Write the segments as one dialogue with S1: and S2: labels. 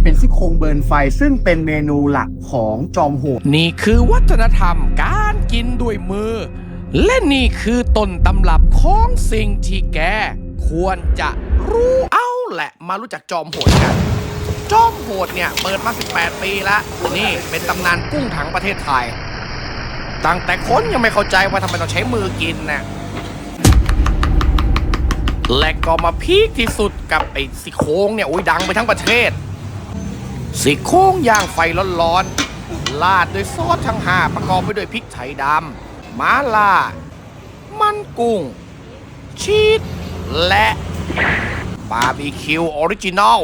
S1: เป็นซี่โครงเบิร์นไฟซึ่งเป็นเมนูหลักของจอมโหด
S2: นี่คือวัฒนธรรมการกินด้วยมือและนี่คือต้นตำรับของสิ่งที่แกควรจะรู้เอาแหละมารู้จักจอมโหดกันจอมโหดเนี่ยเปิดมา18 ปีแล้วนี่เป็นตำนานกุ้งถังประเทศไทยตั้งแต่คนยังไม่เข้าใจว่าทำไมต้องใช้มือกินนะและก็มาพีคที่สุดกับไอ้ซี่โครงเนี่ยดังไปทั้งประเทศซี่โครงย่างไฟร้อนๆราดด้วยซอสทั้ง5ประกอบไปด้วยพริกไทยดำม้าล่ามันกุ้งชีสและบาร์บีคิวออริจินอล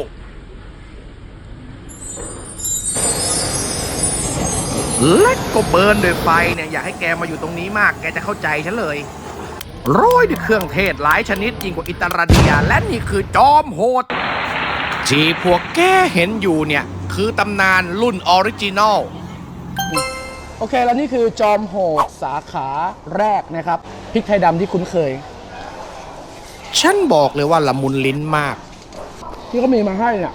S2: และก็เบิร์นด้วยไฟเนี่ยอยากให้แกมาอยู่ตรงนี้มากแกจะเข้าใจฉันเลยโรยด้วยเครื่องเทศหลายชนิดยิ่งกว่าอิตาเลียและนี่คือจอมโหดที่พวกแกเห็นอยู่เนี่ยคือตำนานรุ่นออริจินอล
S1: โอเคแล้วนี่คือจอมโหดสาขาแรกนะครับพริกไทยดำที่คุ้นเคย
S2: ฉันบอกเลยว่าละมุนลิ้นมาก
S1: ที่เขามีมาให้เนี่ย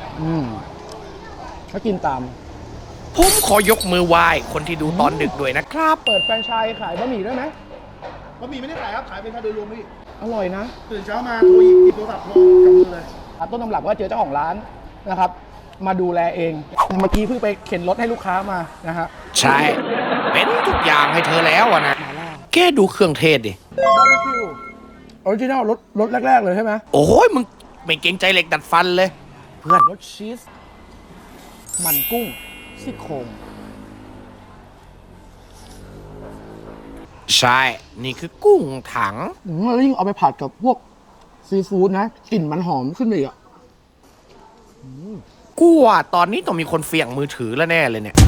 S1: เขากินตาม
S2: ผมขอยกมือไหว้คนที่ดูตอนดึกด้วยนะครับ
S1: เปิดแฟรนไชส์ขายบะหมี่ด้วยไหม
S3: บะหมี่ไม่ได้ขายครับขายเป็นค่าโดยรวมพี่
S1: อร่อยนะ
S3: ตื่นเช้ามาโทรหยิบโทรศัพท์โทรกับมือเลย
S1: ต้นตำรับว่าเจอเจ้าของร้านนะครับมาดูแลเองเมื่อกี้เพิ่งไปเข็นรถให้ลูกค้ามานะฮะ
S2: ใช่เป็นทุกอย่างให้เธอแล้วนะแกดูเครื่องเทศดิ
S1: บาร์บีคิวออริจินัลรสแรกๆเลยใช่ไหม
S2: โอ้ยมึงไม่เกรงใจเหล็กดัดฟันเลยเพื่อน
S1: รสชีสมันกุ้งซี่โครง
S2: ใช่นี่คือกุ้งถัง
S1: แล้วยิ่งเอาไปผัดกับพวกซีฟู้ดนะกลิ่นมันหอมขึ้นไปอีกอ่ะ
S2: กูว่าตอนนี้ต้องมีคนเสี่ยงมือถือแล้วแน่เลยเนี่ย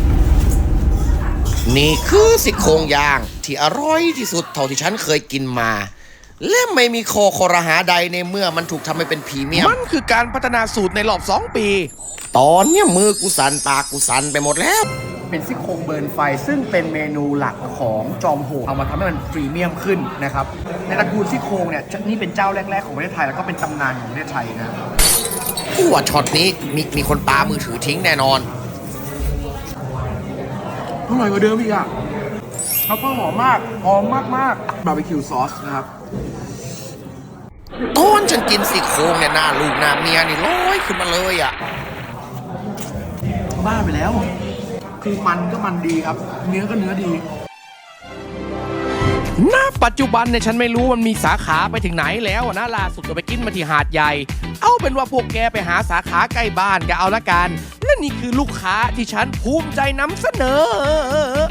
S2: นี่คือซี่โครงย่างที่อร่อยที่สุดเท่าที่ฉันเคยกินมาและไม่มีคอรหาใดในเมื่อมันถูกทำให้เป็นพรีเมียมมันคือการพัฒนาสูตรในรอบ2 ปีตอนนี้มือกูสั่นปากกูสั่นไปหมดแล้ว
S1: เป็นซี่โครงเบิร์นไฟซึ่งเป็นเมนูหลักของจอมโหดเอามาทำให้มันพรีเมียมขึ้นนะครับในตระกูลซี่โครงเนี่ยนี่เป็นเจ้าแรกๆของประเทศไทยแล้วก็เป็นตำนานของประเทศไทยนะ
S2: กูว่าช็อตนี้มีคนปามือถือทิ้งแน่นอน
S1: อร่อยกว่าเดิมอีกอ่ะเขาก็หอมมากบาร์บีคิวซอสนะครับ
S2: ตอนฉันกินซี่โครงเนี่ยหน้าลูกหน้าเมียนี่ลอยขึ้นมาเลยอ่ะ
S1: บ้าไปแล้วคือมันก็มันดีครับเนื้อก็เนื้อดี
S2: ณปัจจุบันเนี่ยฉันไม่รู้มันมีสาขาไปถึงไหนแล้วนะล่าสุดก็ไปกินมาที่หาดใหญ่เอาเป็นว่าพวกแกไปหาสาขาใกล้บ้านกันเอาละกันและนี่คือลูกค้าที่ฉันภูมิใจนำเสนอ